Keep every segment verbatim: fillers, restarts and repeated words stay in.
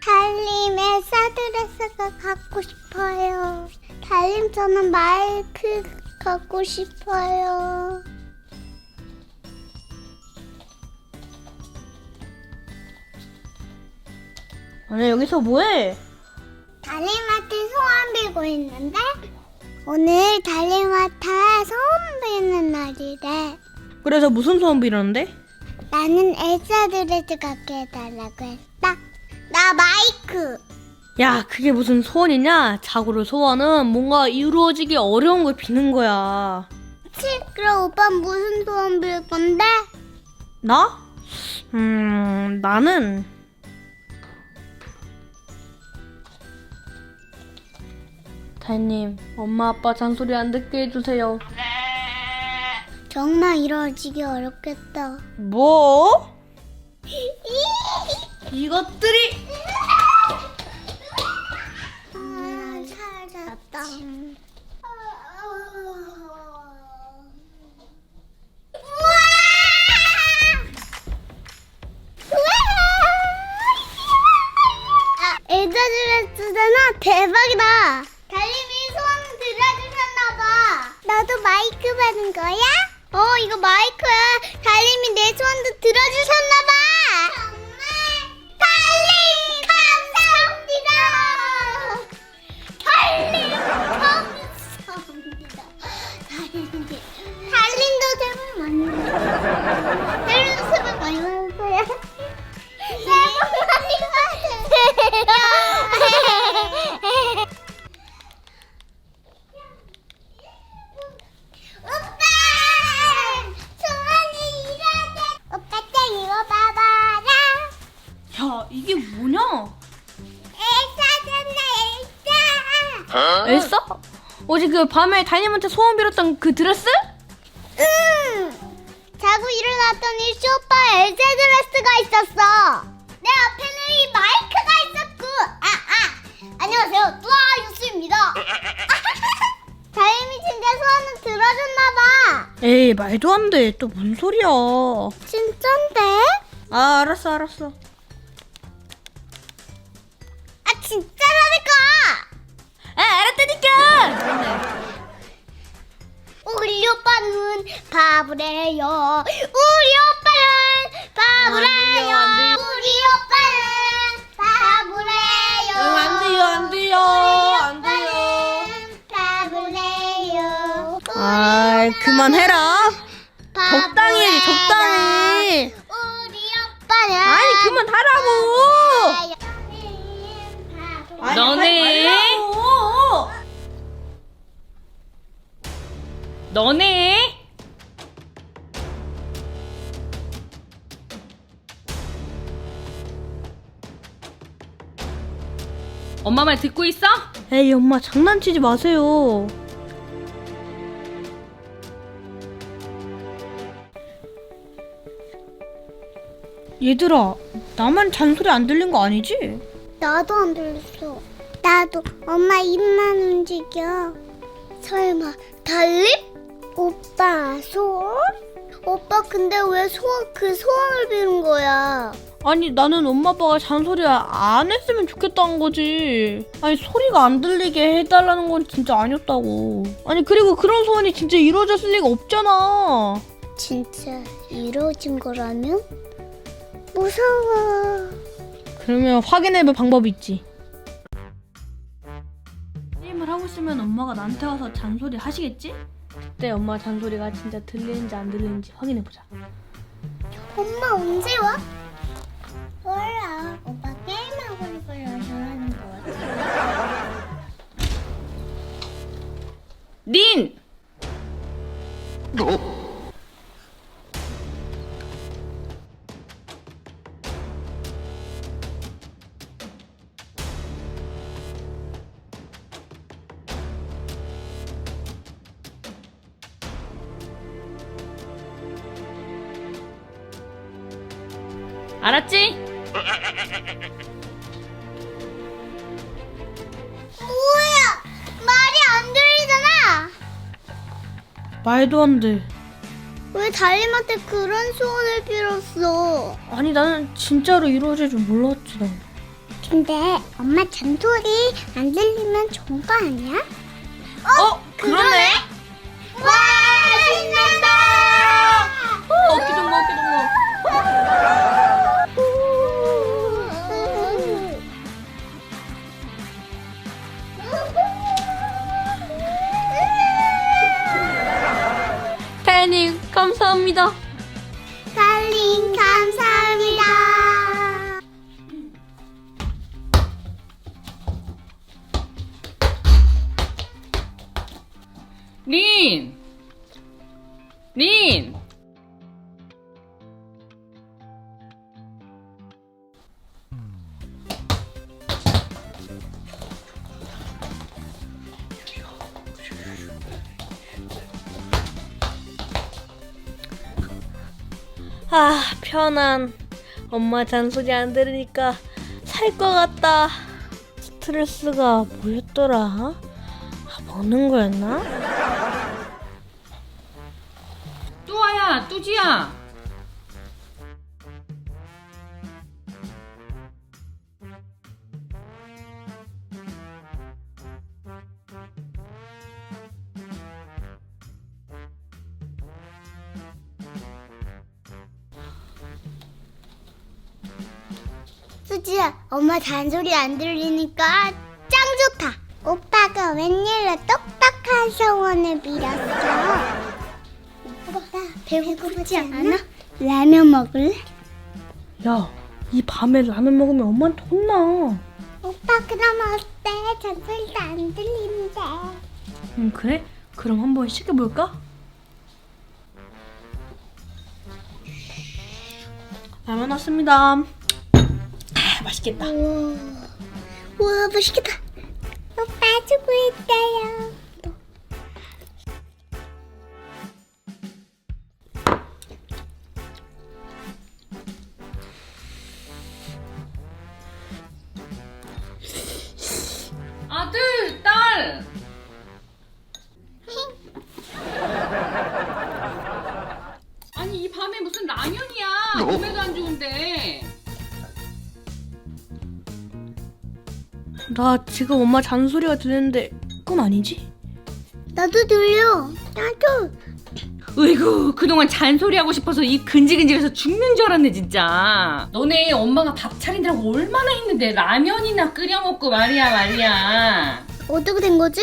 달님 엘사 드레스가 갖고 싶어요. 달님 저는 마이크 갖고 싶어요. 아니 여기서 뭐해? 달님한테 소원 빌고 있는데 오늘 달님한테 소원 비는 날이래. 그래서 무슨 소원 빌었는데? 나는 엘사 드레스 갖게 해달라고 했다. 나 마이크. 야 그게 무슨 소원이냐? 자고로 소원은 뭔가 이루어지기 어려운 걸 비는 거야. 치, 그럼 오빠 무슨 소원 빌 건데? 나? 음 나는 달님 엄마 아빠 잔소리 안 듣게 해주세요. 정말 이루어지기 어렵겠다. 뭐? 이것들이 아, 살았다. 엘사 드레스잖아. 대박이다. 달님이 소원 들어주셨나봐. 나도 마이크 받은 거야? 어, 이거 마이크야. 달님이 내 소원도 들어주셨나봐. 정말 달님 감사합니다. 달님 감사합니다. 달님 달님도 제발 많이 받으세요. 달님도 제발 많이 받으세요. 새해 복 많이 받으세요. 오빠! 소원이 이루어졌. 오빠 짱 이거 봐봐라. 야 이게 뭐냐? 엘사잖아, 엘사. 엘사? 어제 그 밤에 달님한테 소원 빌었던 그 드레스? 응. 자고 일어났더니 쇼파에 엘사 드레스가 있었어. 내 앞에는 이 마이크가 있었고. 아, 아. 안녕하세요. 뚜아 유스입니다. 다임이 진짜 소원을 들어줬나봐. 에이 말도 안 돼. 또 뭔 소리야? 진짠데? 아 알았어 알았어. 아, 진짜라니까. 아 알았다니까. 우리 오빠는 바보래요. 우리 오빠는 바보래요. 안 돼요, 안 돼요. 우리 오빠는 바보래요. 응, 안 돼요 안 돼요 안 돼요. 바보래요. 아 그만해라. 바보래요. 적당히 해 적당히. 우리 오빠는 아니 그만하라고. 바보래요. 너네. 너네. 엄마 말 듣고 있어? 에이 엄마 장난치지 마세요. 얘들아 나만 잔소리 안 들린 거 아니지? 나도 안 들렸어. 나도 엄마 입만 움직여. 설마 달립? 오빠 소원? 오빠 근데 왜 소원 그 소원을 비는 거야? 아니 나는 엄마 아빠가 잔소리 안 했으면 좋겠다는 거지. 아니 소리가 안 들리게 해달라는 건 진짜 아니었다고. 아니 그리고 그런 소원이 진짜 이루어졌을 리가 없잖아. 진짜 이루어진 거라면? 무서워. 그러면 확인해볼 방법이 있지. 게임을 하고 있으면 엄마가 나한테 와서 잔소리 하시겠지? 그때 엄마 잔소리가 진짜 들리는지 안 들리는지 확인해보자. 엄마 언제 와? 몰라. 오빠 게임하고 싶어서 전화하는 거 같아. 닌! 알았지? 뭐야? 말이 안 들리잖아. 말도 안 돼. 왜 달님한테 그런 소원을 빌었어? 아니 나는 진짜로 이루어질 줄 몰랐지 나. 근데 엄마 잔소리 안 들리면 좋은 거 아니야? 어? 그러네? 와, 신난다! 어, 어깨 좀 봐, 어깨 좀 봐. 태연님, 감사합니다. 달링 감사합니다. 린! 린! 아, 편안. 엄마 잔소리 안 들으니까 살 것 같다. 스트레스가 뭐였더라? 아, 먹는 거였나? 뚜아야, 뚜지야! 수지야, 엄마 잔소리 안 들리니까 짱 좋다. 오빠가 웬일로 똑똑한 소원을 빌었어. 오빠, 배고프지 않아? 라면 먹을래? 야, 이 밤에 라면 먹으면 엄마한테 혼나. 오빠 그럼 어때? 잔소리도 안 들리는데. 응, 그래? 그럼 한번 시켜볼까? 라면 왔습니다. 아, 맛있겠다. 우와, 우와 맛있겠다. 오빠 수고했어요. 아들, 딸! 아니, 이 밤에 무슨 라면이야? 몸에도 안 좋은데. 나 지금 엄마 잔소리가 들리는데 그건 아니지? 나도 들려. 나도. 으이구, 그동안 잔소리하고 싶어서 입 근질근질해서 죽는 줄 알았네, 진짜. 너네 엄마가 밥 차리느라고 얼마나 했는데 라면이나 끓여 먹고 말이야, 말이야. 어떻게 된 거지?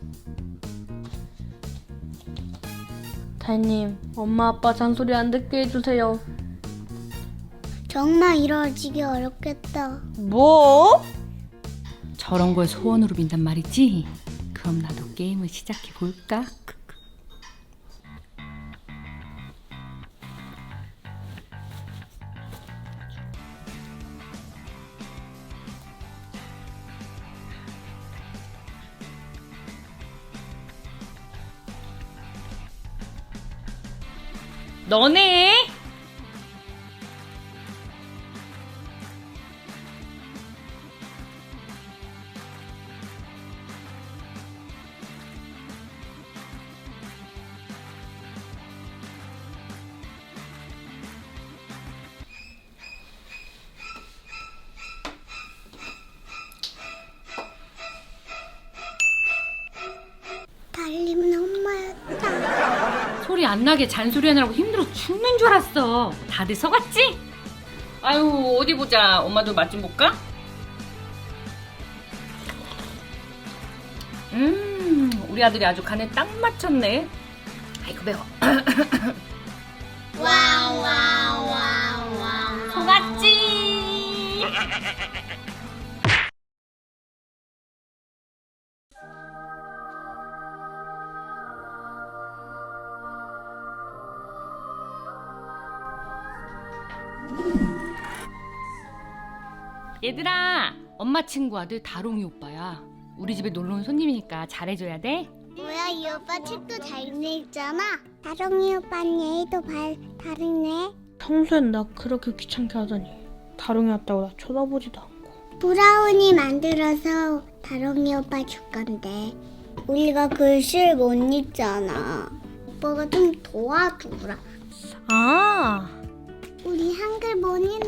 다혜님, 엄마 아빠 잔소리 안 듣게 해주세요. 정말 이루어지기 어렵겠다. 뭐? 저런 걸 소원으로 빈단 말이지? 그럼 나도 게임을 시작해 볼까? 너네? 달림은 엄마였다. 소리 안 나게 잔소리 하느라고 힘들어 죽는 줄 알았어. 다들 서갔지? 아유, 어디 보자. 엄마도 맛 좀 볼까? 음, 우리 아들이 아주 간에 딱 맞췄네. 아이고 매워. 와와와와. 속았지? 얘들아, 엄마 친구 아들 다롱이 오빠야. 우리 집에 놀러 온 손님이니까 잘해줘야 돼. 뭐야, 이 오빠 책도 잘 읽잖아. 다롱이 오빠는 예의도 발 다르네. 평소엔 나 그렇게 귀찮게 하더니 다롱이 왔다고 나 쳐다보지도 않고. 브라우니 만들어서 다롱이 오빠 줄 건데 우리가 글씨를 못 읽잖아. 오빠가 좀 도와주라. 아, 우리 한글 못 읽는